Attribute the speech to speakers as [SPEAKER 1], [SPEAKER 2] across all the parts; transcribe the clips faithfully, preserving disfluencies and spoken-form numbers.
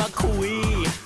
[SPEAKER 1] มาคุย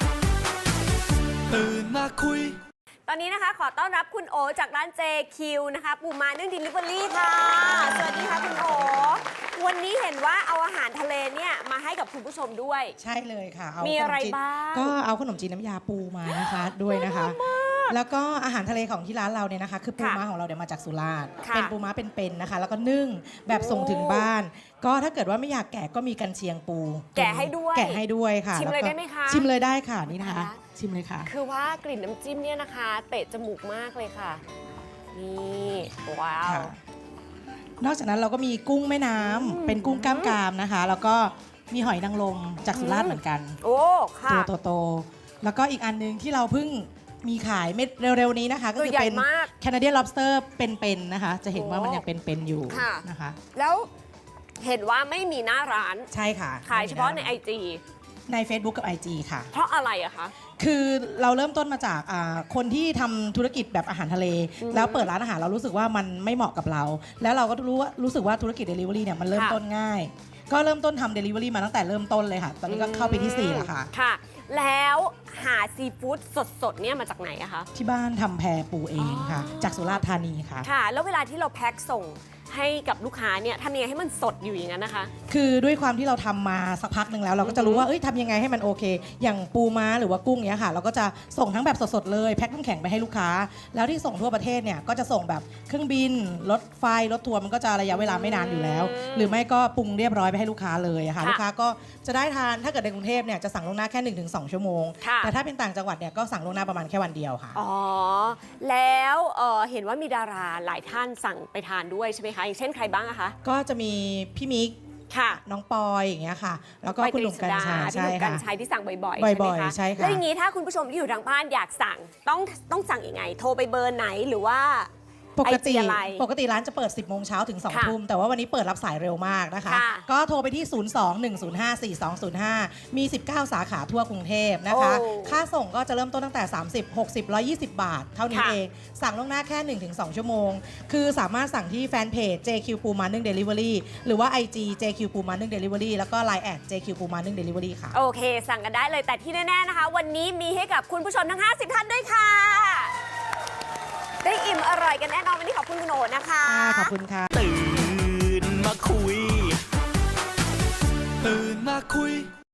[SPEAKER 1] ตื่นมาคุย
[SPEAKER 2] ตอนนี้นะคะขอต้อนรับคุณโอจากร้าน เจ คิว นะคะปูม้านึ่ง Delivery ค่ะสวัสดีค่ะคุณโอวันนี้เห็นว่าเอาอาหารทะเลเนี่ยมาให้กับคุณผู้ชมด้วย
[SPEAKER 3] ใช่เลยค่ะเอา
[SPEAKER 2] มีอะไรบ้าง
[SPEAKER 3] ก็เอาขนมจีนน้ำยาปูมานะคะด้วยนะคะแล้วก็อาหารทะเลของที่ร้านเราเนี่ยนะคะคือปูม้าของเราเนี่ยมาจากสุราษฎร์เป็นปูม้าเป็นๆนะคะแล้วก็นึ่งแบบส่งถึงบ้านก็ถ้าเกิดว่าไม่อยากแกะก็มีกันเชียงปู
[SPEAKER 2] แกะให้ด้วย
[SPEAKER 3] แกะให้ด้วยค่ะ
[SPEAKER 2] ชิมเลยได้ไหมคะ
[SPEAKER 3] ชิมเลยได้ค่ะนี่นะคะชิมเลยค่ะ
[SPEAKER 2] คือว่ากลิ่นน้ำจิ้มเนี่ยนะคะเตะจมูกมากเลยค่ะนี่ว้าวน
[SPEAKER 3] อกจากนั้นเราก็มีกุ้งแม่น้ำเป็นกุ้งกล้ามกรามนะคะแล้วก็มีหอยนางรมจากสุราษฎร์เหมือนกัน
[SPEAKER 2] โอ้ค่ะ
[SPEAKER 3] ตัวโตๆแล้วก็อีกอันนึงที่เราเพิ่งมีขายเม็ดเร็วๆนี้นะคะก็คือเป็น Canadian Lobster เป็นๆนะคะจะเห็นว่ามันยังเป็นๆอยู่นะคะ
[SPEAKER 2] แล้วเห็นว่าไม่มีหน้าร้าน
[SPEAKER 3] ใช่ค่ะ
[SPEAKER 2] ขายเฉพาะใน ไอ จี
[SPEAKER 3] ใน Facebook กับ ไอ จี ค่ะ
[SPEAKER 2] เพราะอะไรอะคะ
[SPEAKER 3] คือเราเริ่มต้นมาจากคนที่ทำธุรกิจแบบอาหารทะเลแล้วเปิดร้านอาหารเรารู้สึกว่ามันไม่เหมาะกับเราแล้วเราก็รู้ว่ารู้สึกว่าธุรกิจ Delivery เนี่ยมันเริ่มต้นง่ายก็เริ่มต้นทำ Delivery มาตั้งแต่เริ่มต้นเลยค่ะตอนนี้ก็เข้าไปที่สี่แล้วค่ะ
[SPEAKER 2] ค่ะแล้วหาซีฟู้ดสดๆเนี่ยมาจากไหนอะคะ
[SPEAKER 3] ที่บ้านทำแพปูเองค่ะจากสุราษฎร์ธานีค่ะ
[SPEAKER 2] ค่ะแล้วเวลาที่เราแพ็คส่งให้กับลูกค้าเนี่ยทำยังไงให้มันสดอยู่อย่างนั้นนะคะ
[SPEAKER 3] คือด้วยความที่เราทำมาสักพักหนึ่งแล้วเราก็จะรู้ว่าเอ้ยทำยังไงให้มันโอเคอย่างปูม้าหรือว่ากุ้งเนี้ยค่ะเราก็จะส่งทั้งแบบสดๆเลยแพ็คน้ำแข็งไปให้ลูกค้าแล้วที่ส่งทั่วประเทศเนี่ยก็จะส่งแบบเครื่องบินรถไฟรถทัวร์มันก็จะระยะเวลาไม่นานอยู่แล้วหรือไม่ก็ปรุงเรียบร้อยไปให้ลูกค้าเลยค่ะลูกค้าก็จะได้ทานถ้าเกิดในกรุงเทพเนี่ยจะสั่งล่วงหน้าแค่ หนึ่งถึงสอง ชั่วโมงแต่ถ้าเป็นต่างจังหวัดเนี่ยก็สั่งล่วงหน้าประมาณแค่วันเดียวค่ะ
[SPEAKER 2] อ๋อแล้วเอ่อเห็นว่ามีดาราหลายท่านสั่งไปทานด้วยใช่ไหมคะอย่างเช่นใครบ้างอะคะ
[SPEAKER 3] ก็จะมีพี่มิก
[SPEAKER 2] ค่ะ
[SPEAKER 3] น้องปอยอย่างเงี้ยค่ะแล้วก็คุณหนุ่มกัญชัย
[SPEAKER 2] ใช่ค่ะกัญชัยที่สั่งบ่อยๆ
[SPEAKER 3] บ่อยๆใช่ค่ะ
[SPEAKER 2] แล้วอย่างนี้ถ้าคุณผู้ชมที่อยู่ทางบ้านอยากสั่งต้องต้องสั่งยังไงโทรไปเบอร์ไหนหรือว่า
[SPEAKER 3] ปกติปกติร้านจะเปิด สิบโมงเช้าถึง สอง ทุ่มแต่ว่าวันนี้เปิดรับสายเร็วมากนะคะก็โทรไปที่ ศูนย์ สอง หนึ่ง ศูนย์ ห้า สี่ สอง ศูนย์ ห้า มี สิบเก้า สาขาทั่วกรุงเทพนะคะค่าส่งก็จะเริ่มต้นตั้งแต่ สามสิบ หกสิบ หนึ่งร้อยยี่สิบ บาท เท่านี้เองสั่งล่วงหน้าแค่ หนึ่งถึงสอง ชั่วโมงคือสามารถสั่งที่แฟนเพจ เจ คิว ปูม้านึ่ง Delivery หรือว่า ไอ จี เจ คิว ปูม้านึ่ง Delivery แล้วก็ ไลน์ แอด เจ คิว ปูม้านึ่ง Delivery ค่ะ
[SPEAKER 2] โอเคสั่งกันได้เลยแต่ที่แน่ๆนะคะวันนี้มีให้กับคุณผู้ชมทั้งห้าสิบท่านด้วยค่ะได้อิ่มอร่อยกันแน่นอนวันนี้ขอบคุณคุณโอนะคะ
[SPEAKER 3] ขอบคุณค่ะ
[SPEAKER 1] ตื่นมาคุยตื่นมาคุย